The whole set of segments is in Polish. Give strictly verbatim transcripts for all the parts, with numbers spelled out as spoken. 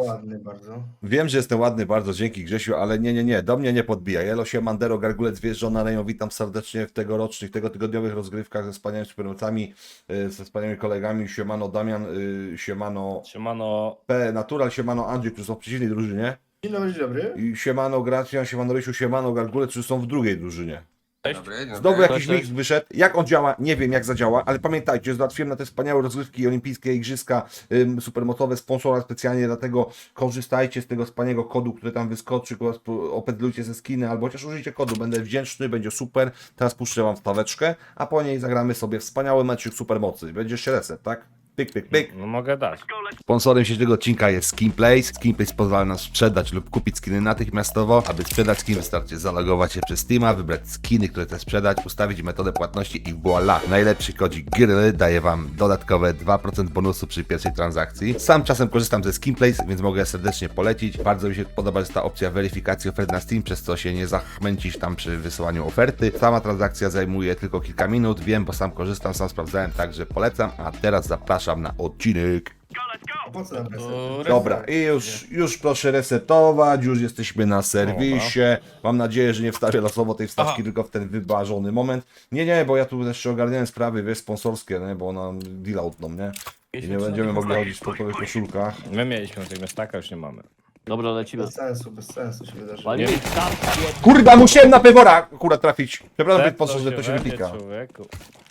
ładny bardzo. Wiem, że jestem ładny bardzo, dzięki Grzesiu, ale nie, nie, nie, do mnie nie podbija. Jelo się Mandero, Gargulec, wjeżdżona Reją, witam serdecznie w tegorocznych, tego tygodniowych rozgrywkach ze wspaniałymi supermocami, y, ze wspaniałymi kolegami, siemano Damian, y, siemano Siemano. P, Natural, siemano Andrzej, którzy są w przeciwnej drużynie Dzień dobry, dzień dobry. i siemano Gracjan, siemano Rysiu, siemano Gargulec, którzy są w drugiej drużynie. Dobry, dobry. Znowu jakiś Cześć. mix wyszedł. Jak on działa, nie wiem jak zadziała, ale pamiętajcie, załatwiłem na te wspaniałe rozgrywki olimpijskie, igrzyska ym, supermocowe, sponsora specjalnie, dlatego korzystajcie z tego wspaniałego kodu, który tam wyskoczy, opedlujcie ze skiny, albo chociaż użyjcie kodu, będę wdzięczny, będzie super. Teraz puszczę wam wstaweczkę, a po niej zagramy sobie wspaniały meczyk supermocy. Będzie jeszcze reset, tak? Pyk, pyk, pyk. No mogę dać. Sponsorem dzisiejszego odcinka jest Skinplace. Skinplace pozwala nam sprzedać lub kupić skiny natychmiastowo. Aby sprzedać skin, wystarczy zalogować się przez Steama, wybrać skiny, które chcesz sprzedać, ustawić metodę płatności i voila! Najlepszy kodzik GRY daje wam dodatkowe dwa procent bonusu przy pierwszej transakcji. Sam czasem korzystam ze Skinplace, więc mogę serdecznie polecić. Bardzo mi się podoba, że jest ta opcja weryfikacji ofert na Steam, przez co się nie zachmęcisz tam przy wysyłaniu oferty. Sama transakcja zajmuje tylko kilka minut, wiem, bo sam korzystam, sam sprawdzałem, także polecam. A teraz zapraszam na odcinek. A po co nam reset? Dobra, i już, już proszę resetować, już jesteśmy na serwisie. Mam nadzieję, że nie wstawię losowo tej wstawki, Aha. tylko w ten wyważony moment. Nie, nie, bo ja tu jeszcze ogarniałem sprawy, wiesz, sponsorskie, nie? Bo nam deal outną, nie? I nie będziemy mogli chodzić w sportowych koszulkach. My mieliśmy tego staka, już nie mamy. Dobra, lecimy. Bez sensu, bez sensu się wydarzyło. Walimy tam, Kurwa, musiałem na pewora akurat trafić. Przepraszam, Tak, podczas, że to się we mnie, wypika. człowieku.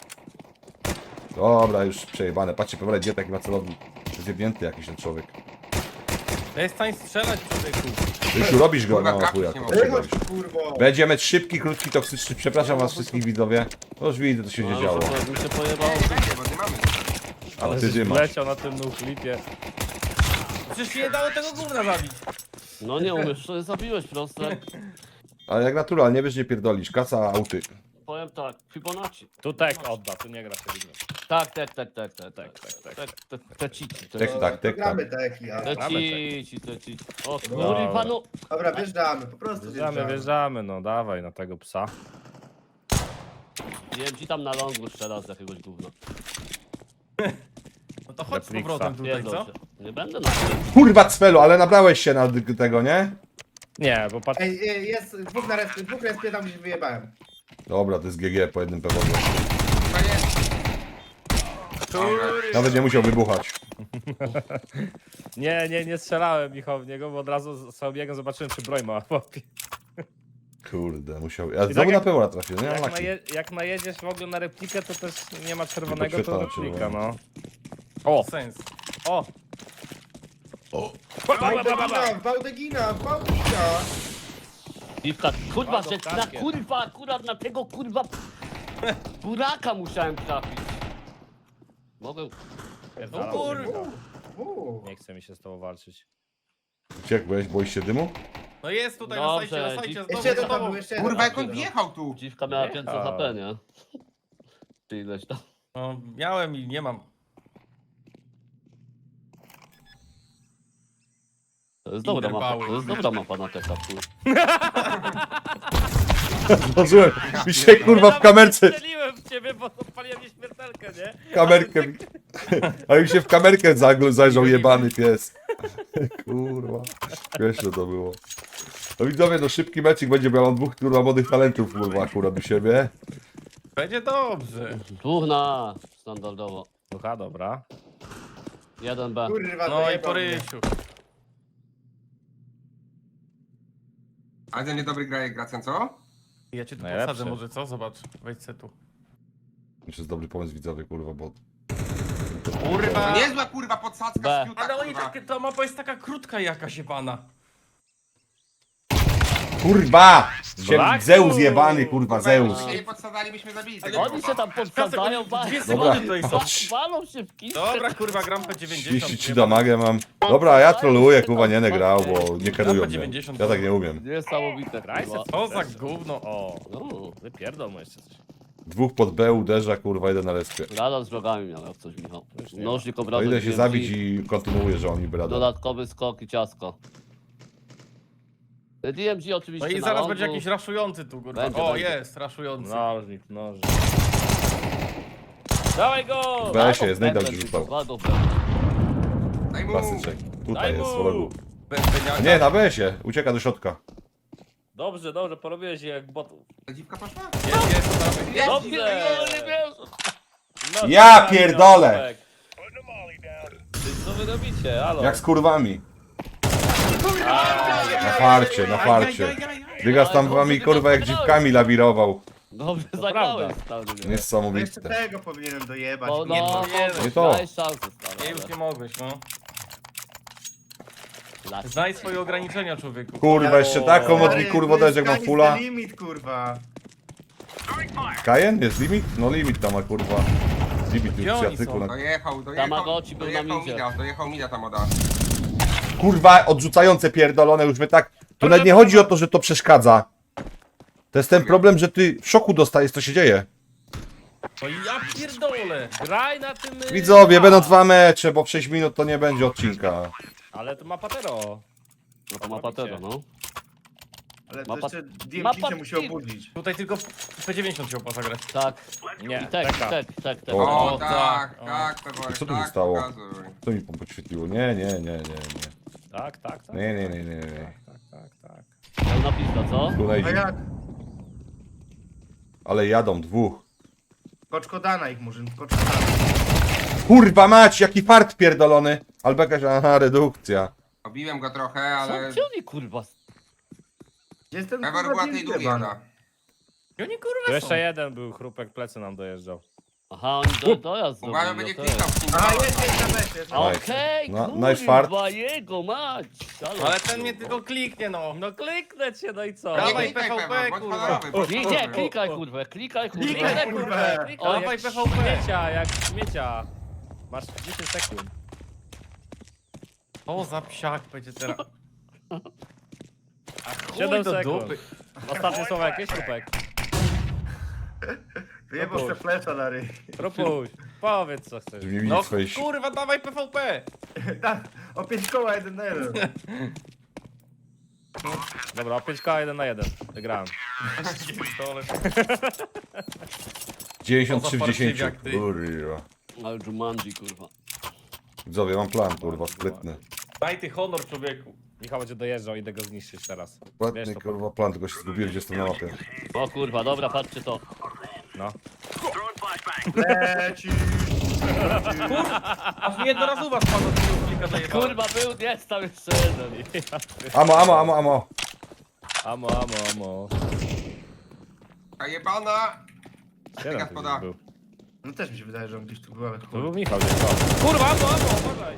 Dobra, już przejebane. Patrzcie, pewora, gdzie taki ma celownik. Zjebnięty jakiś ten człowiek. Ja jest w stanie strzelać, człowieku. Rysiu, robisz go? Kurwa, No, trafić chuja. nie to mogę. Ej, przegrałeś. chodź, kurwo! Będzie mecz szybki, krótki, toksyczny. Przepraszam was wszystkich widzowie. No już widzę, co się nie działo. mi się pojebało. Bo nie mamy. Ale ty Żeś dymasz. Leciał na tym nuchlipie. Przecież nie dało tego gówna zabić. No nie umiesz, to zabiłeś proste. Ale jak naturalnie, wiesz, nie pierdolisz. Kasa, auty. Powiem tak, Fibonacci. Tu tek odda, tu nie gra się liga. Tak, tak, tak, tak, tak, Tak, tak, tak. tak, te- te cici, te Tak, tak, tak, Gramy tak. teki, a... te Gramy cici, te cici. O Dobra. kurwa, no. Dobra, wjeżdżamy, po prostu Wjeżdżamy, wjeżdżamy. wjeżdżamy, no dawaj na tego psa. Wiem ci tam na longu strzela z jakiegoś gówna. No to chodź z Netflixa. powrotem tutaj, Pierdol co? się. Nie będę na tym. Kurwa cfelu, ale nabrałeś się na d- tego, nie? Nie, bo patrz. Ej, ej, jest dwóch na respie, dwóch respie tam gdzieś wyjebałem. Dobra, to jest G G po jednym pewodzie. Chyba jest. Nawet nie musiał wybuchać. Nie, nie, nie strzelałem Michał w niego, bo od razu sobie biegłem, zobaczyłem czy broń ma w łapie. Kurde, musiał... Ja tak znowu jak- na pewora trafię, nie? Jak, Laki. naje, jak najedziesz w ogóle na replikę, to też nie ma czerwonego, Tylko to chwyta na replika, no. czerwono. O, Sens. o! O. Bałdegina, Bałdegina, Bałdegina! Dziwka, kurwa, Ładną że na kartkę. kurwa, akurat na tego kurwa buraka musiałem trafić. Mogę. Pierdala. No kurwa. Uuu. Nie chce mi się z tobą walczyć. Uciekłeś? Boisz się dymu? No jest tutaj na Dobrze, sajcie, na sajcie, dzi- znowu Jeszcze jeden z tam tobą. był, jeszcze jeden. Kurwa, jak tam on był. wjechał tu. Dziwka miała pięćset A. H P, nie? Czy ileś tam. No, miałem i nie mam. To jest dobra mapa, Interwały. to jest dobra mapa na teka, kurwa. Zdążyłem. Mi się kurwa w kamerce... Strzeliłem w ciebie, bo odpaliłem nieśmiertelkę, nie? Kamerkę mi... A mi się w kamerkę zagl- zajrzał jebany pies. Kurwa. Śmieszne to było. No widzowie, no szybki meczik będzie, bo ja mam dwóch kurwa młodych talentów kurwa akurat u siebie. Będzie dobrze. Dwóch na standardowo. Ducha, dobra. Jeden B. Kurwa, No i dojebał po mnie. rysiu. Ale ten niedobry gra jak Gracjan, co? Ja cię tu Najlepszy. posadzę może, co? Zobacz. Wejdź se tu. To jest dobry pomysł widzowie, kurwa, bo... Kurwa. To niezła kurwa podsadzka B. z fiuta, Ale oni kurwa. tak, ta mapa jest taka krótka jakaś jebana. Kurwa! Się Braku! Zeus jebany, kurwa, Kurwa, Zeus. jakbyśmy się nie podsadzali, byśmy zabili tego Oni się tam podsadzają, ba- Dwie Dobra. sekundy tutaj są. walą się w kistę. Dobra, kurwa, gram po dziewięćdziesiąt. trzydzieści trzy damagę mam. Dobra, ja trolluję, kurwa, nie będę grał, bo nie kierują mnie. dziewięćdziesiąt. Ja tak nie umiem. Niesamowite, Graj se, kurwa. Co za gówno. O, No, wypierdol mu jeszcze coś. Dwóch pod B uderza, kurwa, jeden na respie. Radar z wrogami miał jak coś, Michał. Już nie Nożnik No obrazek idę się D M G, zabić i kontynuuję, że oni brada. dodatkowy skok i ciasko. D M G oczywiście No i na zaraz longu. będzie jakiś raszujący tu, kurwa. Będzie, O, będzie. jest, raszujący. Nożnik, nożnik. Dawaj go! B się, znajdę, że rzucał. Dwa do B. Daj mu. Klasyczek. Tutaj Daj jest mu! wrogu. Be- Beniaka. Nie, na besie. Ucieka do środka. Dobrze, dobrze, porobiłeś jak botów. Ta dziwka poszła? Jest, jest, to tam- Jest, Dobrze. jest. Nie wiem. No, Ja tak, pierdolę! Ty, co wy robicie? Halo? Jak z kurwami. Na farcie, na farcie. Dygas tam wami kurwa jak dziwkami lawirował. Dobrze To zagrałeś, prawda. stary. No jeszcze Niesamowite. tego powinienem dojebać. O, Nie, no, nie, nie to. daj szansę, stary. Nie, już nie mogłeś, no. Lać. Znaj swoje ograniczenia, człowieku. Kurwa, jeszcze taką Stary, modli kurwa dać jak mam sky is fulla. the limit, kurwa. Kajen? Jest limit? No limit tam ma kurwa. Limit Gdzie już oni artykuł są? na... Dojechał, dojechał. Tamagotchi był na dojechał midzie. mida, dojechał mida ta moda. Kurwa, odrzucające pierdolone już my tak... To nawet nie chodzi o to, że to przeszkadza. To jest ten problem, że ty w szoku dostajesz, co się dzieje. No ja pierdolę. Graj na tym... y, Widzowie, a. będą dwa mecze, bo w sześć minut to nie będzie odcinka. Ale to ma patero. No to ma patero, no. Ale Mapa- to jeszcze D M mapa- C się musi obudzić. Tutaj tylko P dziewięćdziesiąt się opłaca grać. Tak. Nie, I tek, taka. tek, tek, tek. O. O, O, tak, tak, tak, Peworek, Co tu się tak, stało? pokazuj. Co mi podświetliło? Nie, nie, nie, nie, nie. Tak, tak, tak. Nie, nie, nie, nie, nie. Tak, tak, tak. Pełna pista, co? Tutaj, A jak? ale jadą dwóch. Koczkodana ich, Murzyn, koczkodana. Kurwa mać, jaki fart pierdolony. Albo jakaś, aha, redukcja. Obiłem go trochę, Co? ale... Gdzie oni, kurwa? Gdzie jest ten Pewor kurwa była D M tej C, długiej, ban? ona. I oni Tu kurwa są. jeszcze jeden był, chrupek plecy nam dojeżdżał. Aha, oni do, dojazd Uwaga, zrobili, będzie no to klikał jest. w nim. A, jest, jest na besie, jest na besie. Okej, No, kurwa, nice fart. jego mać. Halo, Ale ten mnie tylko kliknie, no. No kliknę cię, no i co? Nie Dawaj klikaj, P V P, Pewor, bądź kurwa. honorowy, bądź Nie, nie, honorowy. klikaj kurwa, klikaj kurwa. Klikaj, kurwa. Klikaj, O, jak dawaj P V P. śmiecia, jak śmiecia. Masz dziesięć sekund. O, za psiak będzie teraz. siedem do sekund. dupy. Ostatnie słowa jakieś, chrupek? Wyjebał se flesza na ryj. Propuś, powiedz co chcesz. Żeby nie No widzieć swojej si- kurwa, dawaj P V P. Tak, o pięć koła, jeden na jeden. Dobra, o pięć K jeden na jeden. Wygrałem. Pierdolę. dziewięćdziesiąt trzy w O, za dziesięciu. jak ty. Kurwa. Ale Jumanji, kurwa. Widzowie, mam plan, kurwa, sprytny. Daj ty honor, człowieku. Michał będzie dojeżdżał, idę go zniszczyć teraz. Sprytny, Wiesz to, kurwa, plan, tylko się zgubiłem, gdzie jestem na mapie. O kurwa, dobra, patrzcie to. no. Leci. Aż jednorazowa spadła z tego klika zajebała. Kurwa, był, jest tam jeszcze jeden. Amo, amo, amo, amo. Amo, amo, amo. A jebana. Siedem Tygas tu poda. gdzieś był. No też mi się wydaje, że on gdzieś tu był, ale To chuj. był Michał, gdzieś tam. Kurwa, amo, amo, uważaj.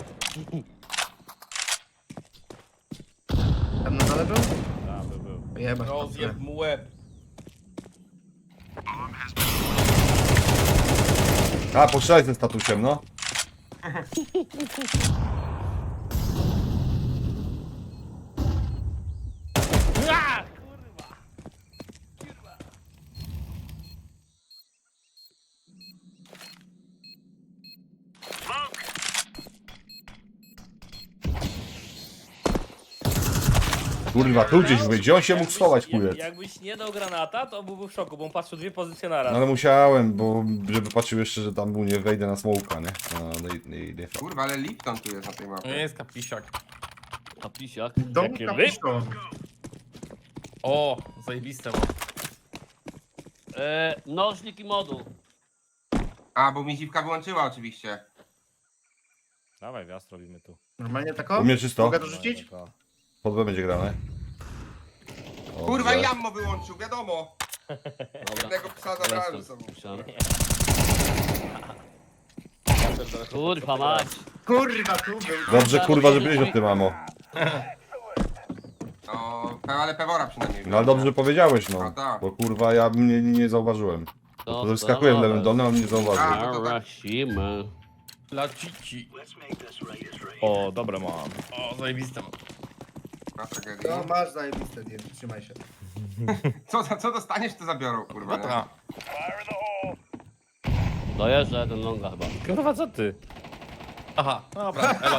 Tam na dole był? Tak, był, był. Jebać. Rozjeb mu łeb. A, postrzelaj tym statusem, no. Kurwa, tu gdzieś był. Gdzie on się mógł schować, jak, kujec? jakbyś nie dał granata, to byłby w szoku, bo on patrzył dwie pozycje na No raz. ale musiałem, bo żeby patrzył jeszcze, że tam mu nie wejdę na smołka, nie? No, no, i- i- nie. Kurwa, ale Lipton tu jest na tej Nie mapie. jest kapisiak. A pisiak. Dom Jakie kapuszką. O, zajebiste mam. E, nożnik i moduł. A, bo mi dziwka wyłączyła oczywiście. Dawaj, wjazd robimy tu. Normalnie tako? U mnie czysto. Mogę dorzucić? Dawaj, Pod B będzie grane. Dobrze. Kurwa, i Jammo wyłączył, wiadomo. Dobra. Jednego psa zabrałem ze sobą. Myślałem. Kurwa mać. Kurwa, tu był. Dobrze, kurwa, że byłeś o tym, mamo. No, pe- ale Pewora przynajmniej. No ale dobrze, że powiedziałeś, No no. tak. Bo kurwa, ja mnie nie, nie zauważyłem. To wyskakuje w lewym dolnym, a mnie nie zauważył. A, to to tak. Rasimy. Dla cici. O, dobre mam. O, zajebiste mam. Na tragedię. No masz zajebiste, nie, trzymaj się. Co, za- co dostaniesz, to zabiorą, kurwa. nie? Dobra. Dojeżdża jeden longa chyba. Kurwa, co ty? Aha, dobra, elo.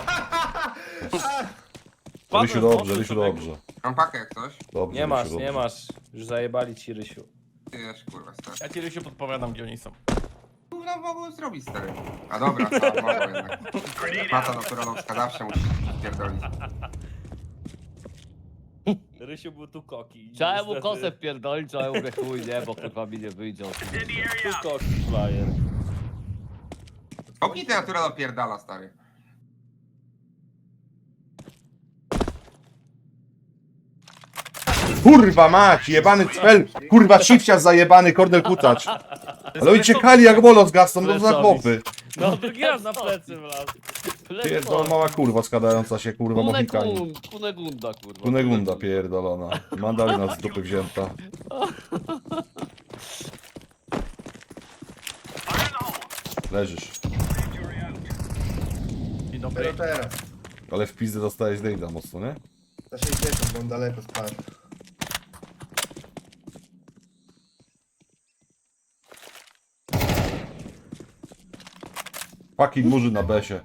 Rysiu dobrze, Rysiu dobrze. Mam pakę jak coś. Dobrze, Nie masz, Rysiu, nie dobrze. masz. Już zajebali ci, Rysiu. Ty też, kurwa, stary. Ja ci Rysiu podpowiadam, gdzie oni są. no, mogłem zrobić, stary. A dobra, to mogę jednak. Mata naturalowska zawsze musi pierdolić. Rysiu był tu koki. Chciałem mu niestety. kosę wpierdolić, ale mówię chuj, nie, bo kurwa mi nie wyjdzie. Tu koki, flyer. Okej, ty natura dopierdala, stary. Kurwa mać, jebany cfel, kurwa shifcia zajebany, Kornel Kutacz. Ale oni ciekali jak bolo z Gaston, no za chłopy. No drugi raz na plecy wlazł. Pierdolona mała kurwa składająca się, kurwa, mochikani. Kunegunda, Kunegunda, kurwa. Kunegunda pierdolona. Mandalina z dupy wzięta. Leżysz. Dzień dobry. Dopiero teraz. Ale w pizdę dostałeś Dave'a mocno, nie? Za sześćdziesiąt, bo on daleko spadł. Fucking murzy na besie.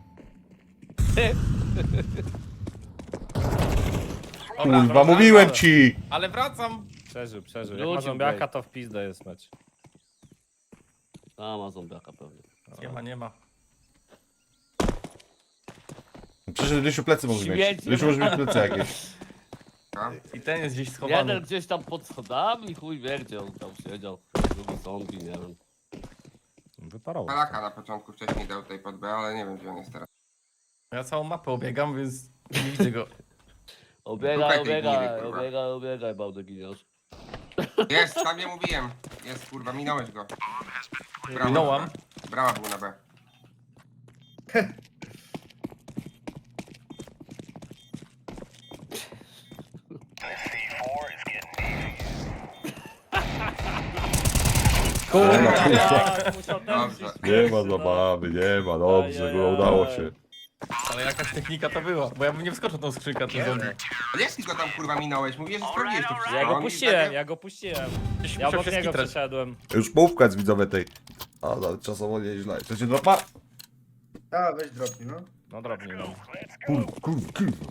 Dobra, Kurwa, wracam. mówiłem ci! Ale wracam. Przeżył, przeżył. Jak Wrócił, ma zombiaka, Blake. to w pizdę jest mecz. A, ma zombiaka pewnie. Nie ma, nie ma. Przecież Rysiu plecy może mieć. Śmieci. Rysiu może mieć plecy jakieś. A? I ten jest gdzieś schowany. Jeden gdzieś tam pod schodami, chuj wie gdzie on tam siedział. Drugi zombie, nie wiem. Wyparował. Palaka na początku wcześniej dał tutaj pod B, ale nie wiem, gdzie on jest teraz. Ja całą mapę obiegam, więc nie widzę go. Obiegaj, Dupę tej gnidy, obiegaj, kurwa. obiegaj, obiegaj, bałdy giniasz. Jest, tam nie mówiłem. Jest, kurwa, minąłeś go. Brawa, Minąłam. na B. Brawa był na B. Tak, musiał ten Dobrze. wziąć Nie ma plecy, no. zabawy, nie ma, dobrze, było, udało się. Ale jakaś technika to była, bo ja bym nie wskoczył tą skrzynkę, to zombie. Ale jak ty go tam, kurwa, minąłeś? Mówię, że sprawdziłeś to wszystko. Ja go On mi puściłem, takie- ja go puściłem. Gdzieś Ja musiał obok się niego skitrać. przeszedłem. Już połówka jest widzowie tej. A, ale czasowo nieźle. Chcecie dropa? A, weź dropnij, no. No drobnie, no. Kurwa, kurwa, kurwa.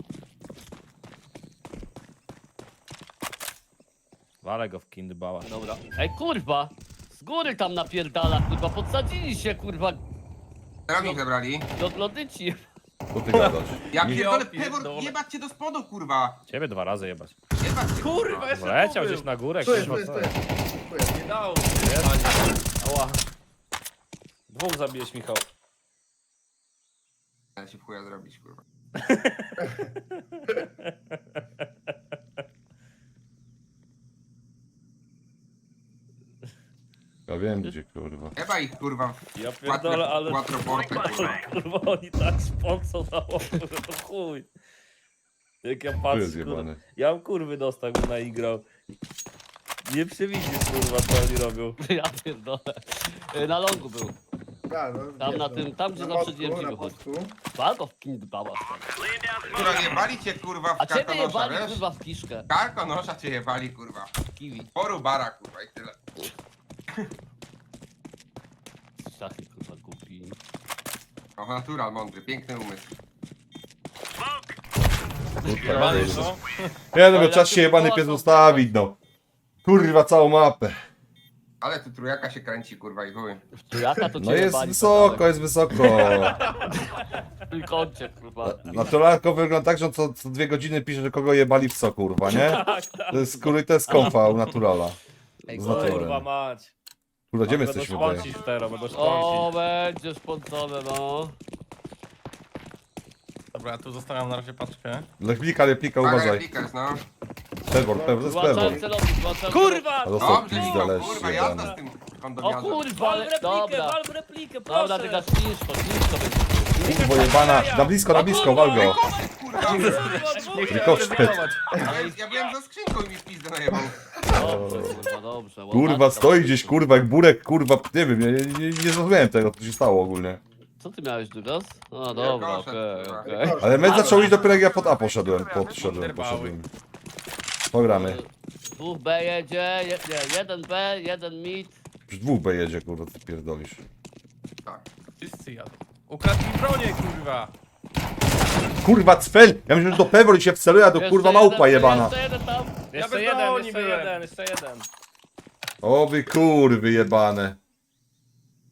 Walę go w kindbała. Dobra. Ej, kurwa! Z góry tam napierdala, kurwa, podsadzili się, kurwa, Teraz zebrali. do lodyci. Co ty gadasz? Ja Nie pierdolę, pierdolę. Pewor, jebać cię do spodu, kurwa. Ciebie dwa razy jebać. Jebać cię, Kurwa, jeszcze Leciał tu gdzieś na górę, Tu jest, kurwa, tu co jest, tu jest? jest. Tu jest. Nie dało. Ała. Dwóch zabijesz, Michał. Ale się w chuja zrobić, kurwa. Ja wiem gdzie, kurwa. Jeba ich, kurwa. Ja w pierdolę, quattro- ale... quattroporte, kurwa. Kurwa, oni tak spącą na łoku, że to chuj. Jak ja Tu patrzę, jest kurwa. jebany. Ja bym kurwy dostał, bym naigrał. Nie przewidzisz, kurwa, co oni robią. Ja pierdolę. Y, Na longu był. A, no, Tam wiesz, na no. tym- tam, gdzie Na zawsze mostku, D M G na wychodzi. mostku. Walko w kindbała stary. Kurwa, jebali cię, kurwa, w A ciebie karkonosza, jebali, wiesz? kurwa, w kiszkę. Karkonosza cię jebali, kurwa. Kiwi. Poru bara, kurwa, i tyle. Szachy, kurwa, głupi. O, natural, mądry, piękny umysł. Jebany, co? Nie no, bo czas się jebany pies ustawić, no. Kurwa, całą mapę. Ale tu trójaka się kręci, kurwa, i chuj. Tu jaka to cię No jest jebali, wysoko, jest wysoko. W trójkącie, kurwa. Naturalko wygląda tak, że on co, co dwie godziny pisze, że kogo jebali w co, kurwa, nie? Tak, tak. To jest, kurwa, to jest konfa u Naturala. Ej, Z naturalem. kurwa mać. Kurwa, gdzie my Będą jesteśmy tutaj? szpącić teraz, będą O, szpącić. będzie spącone, no. Dobra, ja tu zostawiam na razie paczkę. Lechblika, replika, Uważaj. uważaj. Pikers, no. Pewor, pewor, to jest pewor. Złączałem celownik, złączałem Kurwa! A dostał Dobrze, pizdę, Michał, leż kurwa, jazda jebany. z tym O kondomiarzem. kurwa, Wal w ale... replikę, Dobra. wal w replikę, Dobra, proszę! ty dasz ciężko, ciężko będzie. Kurwo jebana, na blisko, na blisko, wal go. Kurwa, Kurwa, dwóch Rykoszt. ale ja byłem za skrzynką i mi w pizdę najebał. Dobrze, kurwa, dobrze. Kurwa, ładnie. stoi gdzieś, kurwa, jak burek, kurwa, nie wiem, nie, nie, nie zrozumiałem tego, co się stało ogólnie. Co ty miałeś, Dugas? A, dobra, Rykoszt, okej, kurwa. okej. Ale mecz zaczął iść dopiero jak ja pod A poszedłem, podszedłem, poszedłem. Pogramy. Dwóch B jedzie, je, nie, jeden B, jeden mid. Już dwóch B jedzie, kurwa, ty pierdolisz. Tak. Wszyscy jadą. Ukradł mi bronię, kurwa. Kurwa, cfel! Ja myślę, że do pewor i się wceluje, a do Jeszcze kurwa jeden, małpa jebana. Jeszcze jeden tam. Jeszcze bez jeden, broni jeszcze byłem. jeden, jeszcze jeden. O wy kurwy jebane.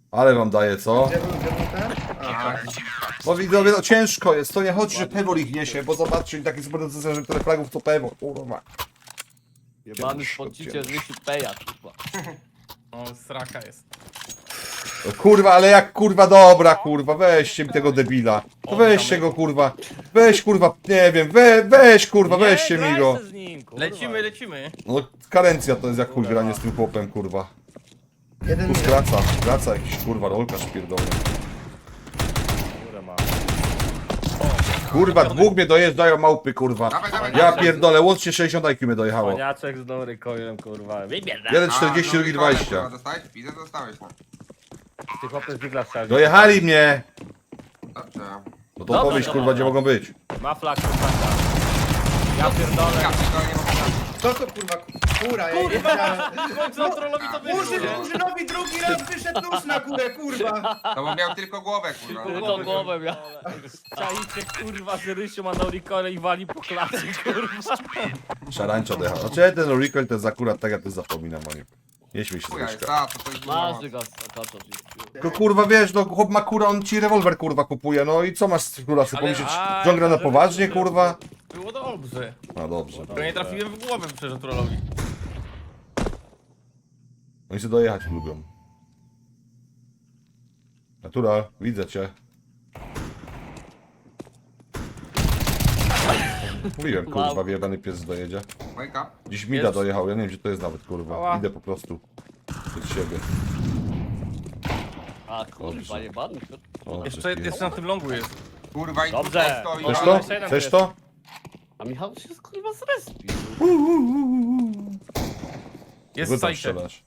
Ale wam daje, co? Gdzie był, gdzie był ten? A, A, tak. Bo widzowie, no ciężko jest, to nie chodzi, że Pewor ich niesie, bo zobaczcie, taki super decyzja, że tyle fragów to Pewor, kurwa. Jebany spocicie z myśli peja, kurwa. O, sraka jest. No, kurwa, ale jak kurwa, dobra, kurwa, weźcie mi tego debila. To weźcie go, kurwa, weź, kurwa, nie wiem, we, weź, kurwa, weźcie Nie, mi graj go. se z nim, kurwa. Lecimy, lecimy. No, karencja to jest jak chuj granie z tym chłopem, kurwa. Jeden Tu minut. skraca, skraca jakiś, kurwa, rolkarz pierdolony. Kurwa, ma. Kurwa, dwóch mnie dojeżdżają małpy, kurwa. Dawaj, dawaj, Ja dawaj. pierdolę, łącznie sześćdziesiąt I Q mnie dojechało. Paniaczek z Nory Coilem, kurwa. Wybierz. Jeden A, czterdzieści, no, drugi Mikołaj, dwadzieścia. kurwa, Dostałeś? Widzę, dostałeś, no. Ty chłopy z Digla strzeli. Dojechali mnie! Dobrze. No to Dobra, powiedz, dobra, kurwa, gdzie dobra. mogą być. Ma flag, kurwa. Ja pierdolę. Ja pierdolę, nie mogę. Co to kurwa, kura, ja nie wiedziałem. Co trollowi to wyszło? Murzyn, Murzynowi drugi raz wyszedł nóż na górę, kurwa. To bo miał tylko głowę, kurwa. Tylko głowę miał. Czajcie, kurwa, że Rysiu ma Nory Coile i wali po klasie, kurwa. Szarańcza dojechał. Znaczy ten recoil to jest akurat tak, ja to zapominam o nim. Nie śmiej się z Chuja jest, Ryśka. a, to to jest Masz dużo. go, akaczo. Tylko kurwa wiesz, no chłop ma kura, on ci rewolwer kurwa kupuje, no i co masz z kurwa sobie Ale- pomyśleć, a, że on gra na że- poważnie że- kurwa? Było dobrze. No dobrze. Tylko nie trafiłem w głowę przecież trollowi. Oni sobie dojechać lubią. Natura, widzę cię. Mówiłem kurwa, wyjebany pies dojedzie. Wake up. Dziś Mida Jest. dojechał, ja nie wiem gdzie to jest nawet kurwa. Ała. Idę po prostu przed siebie. A kurwa, jebany. O, Jeszcze, przed jeszcze na tym longu jest. Kurwa, i Dobrze. tu stoi. Chcesz Dobra, to? jeszcze jeden Chcesz jest. to? A Michał się kurwa zrespił. Jest Wy w tam sajcie. strzelasz.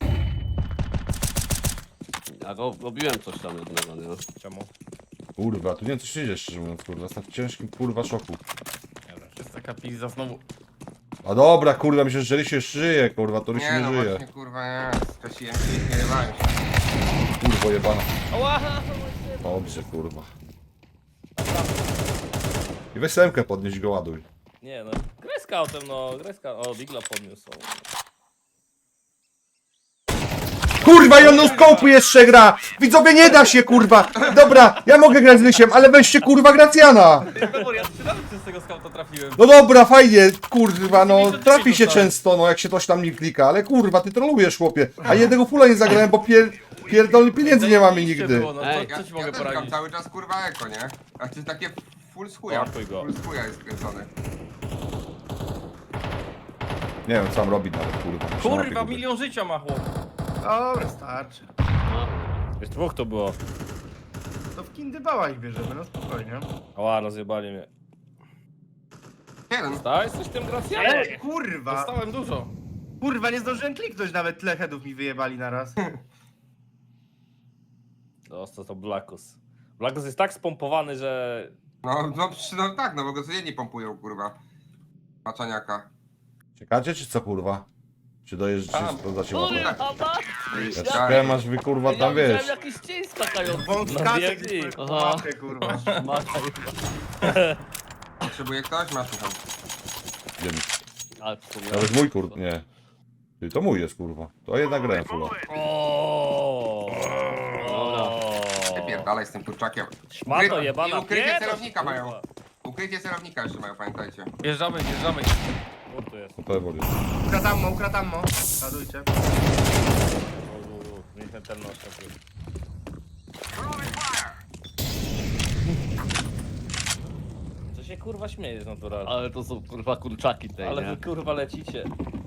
Ja go robiłem coś tam jednego, nie? Czemu? Kurwa, tu nie wiem co się dzieje szczerze mówiąc kurwa, jestem w ciężkim kurwa szoku. Jest taka pizza znowu. A dobra kurwa, myślę, że Rysiu jeszcze żyje kurwa, to Rysiu Nie nie no, żyje. właśnie, kurwa, nie. Skasiłem się i nie jebałem się. Kurwo jebana. Ała! Dobrze kurwa. I weź semkę podnieść go ładuj. Nie no, graj scoutem, no, graj scoutem. O, Digla podniósł. Kurwa i on no scope'u jeszcze gra! Widzowie nie da się kurwa! Dobra, ja mogę grać z Rysiem, ale weźcie kurwa Gracjana! Dobra, ja trzy razy przez tego skauta trafiłem. No dobra, fajnie, kurwa, no trafi się często, no jak się coś tam nie klika, ale kurwa, ty trolujesz chłopie. A jednego fula nie zagrałem, bo pier... pierdolnych pieniędzy nie mamy Zajebiście nigdy. Było, no, Ej, co, co ci Ja, mogę ja też gram poradzić? cały czas, kurwa, eko, nie? A to jest takie full z chuja. Łapuj go. Full z chuja jest skręcony. Nie wiem co tam robi nawet kurwa. Kurwa, milion życia ma chłop. Dobra, starczy. Już dwóch to było. To w kindybała ich bierzemy, no spokojnie. Ała, rozjebali mnie. Jeden. Daj coś tym Gracjanem. Ej, kurwa! Dostałem dużo. Kurwa, nie zdążyłem kliknąć, nawet tyle headów mi wyjebali naraz. Dostał to Blackus. Blackus jest tak spompowany, że... No, no, przy- no tak, no bo go codziennie pompują, kurwa. Maczaniaka. Czekacie czy co kurwa? Czy dojeżdżacie, Tam. sprawdzacie mapę? Kurwa, mać! Ja czekałem aż wy kurwa Ja tam widziałem wiesz. jakiś cień skakający. Wąskacze biegnij. gdzieś po Aha. mapie, kurwa. Mata, Potrzebuje ktoś? Masz tam. Wiem. ale w sumie. Nawet mój kur... nie. Ty, to mój jest kurwa. To jednak grałem fula. O. Wypierdalaj z tym kurczakiem. Szmato Ukry- jebana. I ukrycie pierdol, celownika kurwa. mają. Ukrycie celownika jeszcze mają, pamiętajcie. Wjeżdżamy, wjeżdżamy. Kur tu jest. To pewnie jest. Ukratammo, ukratammo. Ładujcie. U, u, u, niech ten ten nos taki. Co się kurwa śmiejesz naturalnie? Ale to są kurwa kurczaki te, Ale nie? wy kurwa lecicie.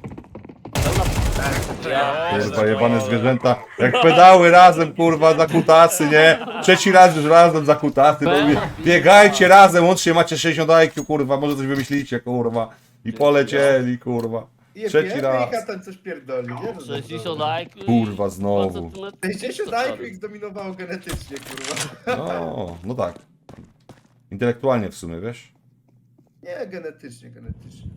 Tak, Ja, Kurwa jebane zwierzęta. Jak pedały razem kurwa za kutasy, nie? Trzeci raz już razem za kutasy. No, i biegajcie razem, łącznie macie sześćdziesiąt I Q kurwa, może coś wymyślicie kurwa. I polecieli kurwa. Trzeci raz. I ten coś pierdoli, nie? No, sześćdziesiąt I Q i Kurwa, znowu. sześćdziesiąt I Q ich zdominowało genetycznie, kurwa. No, no tak. Intelektualnie w sumie, wiesz? Nie, genetycznie, genetycznie.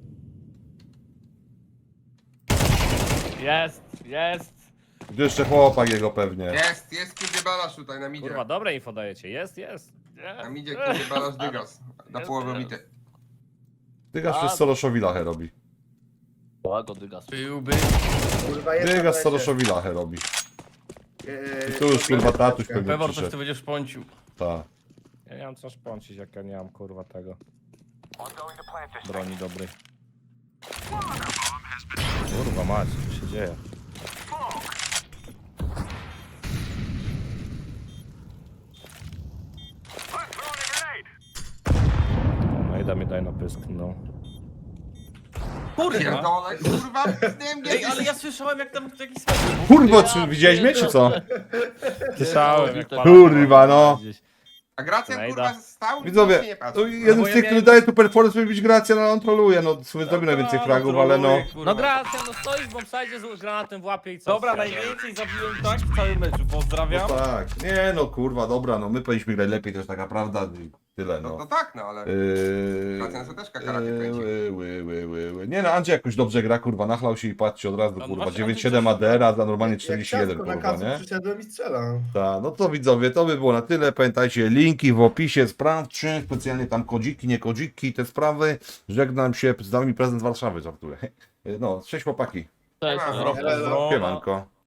Jest, jest. Tu jeszcze chłopak jego pewnie. Jest, jest kiedy balasz tutaj na midzie. kurwa, dobre info dajecie. Jest, jest. Na midzie kiedy balasz dygas. Na połowę bity. Dygas przez Soroszowi lachę robi. Łago dygas. Byłby. Kurwa, jest na Dygas mecie. Soroszowi lachę robi. Eee, Tu już kurwa tatuś pewnie Pewor, coś przyszedł. ty będziesz pącił. Tak. Ja nie mam co szpącić, jak ja nie mam kurwa tego. Broni dobrej. Kurwa mać, co się dzieje? No i da mi daj na pysk, no. Kurwa! Pierdolę, kurwa, z nim Ej, ale ja słyszałem jak tam jakiś spadł. Kurwa, czy widziałeś mnie, czy co? Słyszałem jak Kurwa, palaka Kurwa, no. gdzieś. A Gracjan Najda. kurwa stał i Widzowie, nic się nie patrzył. no, jeden bo z ja tych, miałem- który daje tu performance, może być Gracja, no on troluje, no sobie zrobi najwięcej fragów, ale no... No Gracja, no stoisz w bombsite z granatem w łapie i co? Dobra, Wsiadaj. najwięcej zabiłem tak w całym meczu, pozdrawiam. No tak, nie no kurwa, dobra, no my powinniśmy grać lepiej, to jest taka prawda i tyle, No no. to tak, no ale... Yy, Gracjan sobie też kakarakie yy, kręci. ły, ły, ły, ły, ły. Nie no, Andrzej jakoś dobrze gra, kurwa, nachlał się i patrzcie od razu, No kurwa, właśnie, dziewięć Andrzej siedem coś- A D R, a za normalnie Jak czterdzieści jeden, ciastko na kurwa, kacu nie? przyszedłem i strzelam. Tak, no to widzowie, to by było na tyle. Pamiętajcie, linki w opisie, sprawdźcie, specjalnie tam kodziki, nie kodziki, te sprawy. Żegnam się, z nami prezydent Warszawy, żartuję. No, cześć chłopaki, Cześć, Nie ma no. problemu. Elo. siemanko.